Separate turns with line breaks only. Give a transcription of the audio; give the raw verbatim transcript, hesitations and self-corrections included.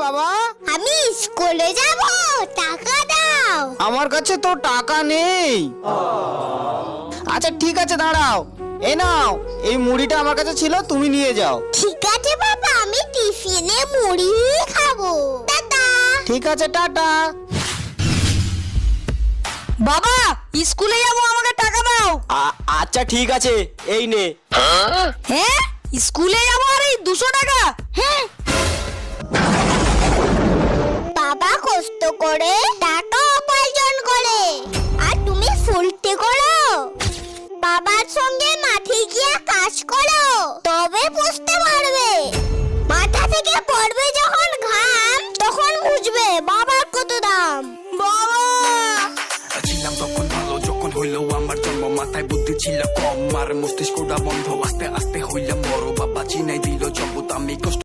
বাবা?
আমি স্কুলে যাব, টাকা দাও।
আমার কাছে তো টাকা নেই। আচ্ছা ঠিক আছে, দাঁড়াও। এই নাও, এই মুড়িটা আমার কাছে ছিল, তুমি নিয়ে যাও।
ঠিক আছে বাবা, আমি টিফিনে মুড়ি খাবো। টাটা।
ঠিক আছে, টাটা।
বাবা, স্কুলে যাবো, আমাকে টাকা দাও।
আচ্ছা ঠিক আছে, এই নে।
হ্যাঁ, স্কুলে যাবো আর এই দুশো টাকা?
হ্যাঁ, বাবা কষ্ট করে টাকা উপার্জন করে, আর তুমি ফুলতে করো। বাবার সঙ্গে মাঠে গিয়ে কাজ করো, তবে বুঝতে পারবে। মাথা থেকে পড়বে যখন ঘাম, তখন বুঝবে বাবার কত দাম। বাবা,
ছিলাম তখন ভালো, যখন হইলো আমার জন্ম। মাথায় বুদ্ধি ছিল কম, আর মস্তিষ্কটা বন্ধ। আস্তে আস্তে হইলাম বড়, বাবা চিনাই দিল জগৎ। আমি কষ্ট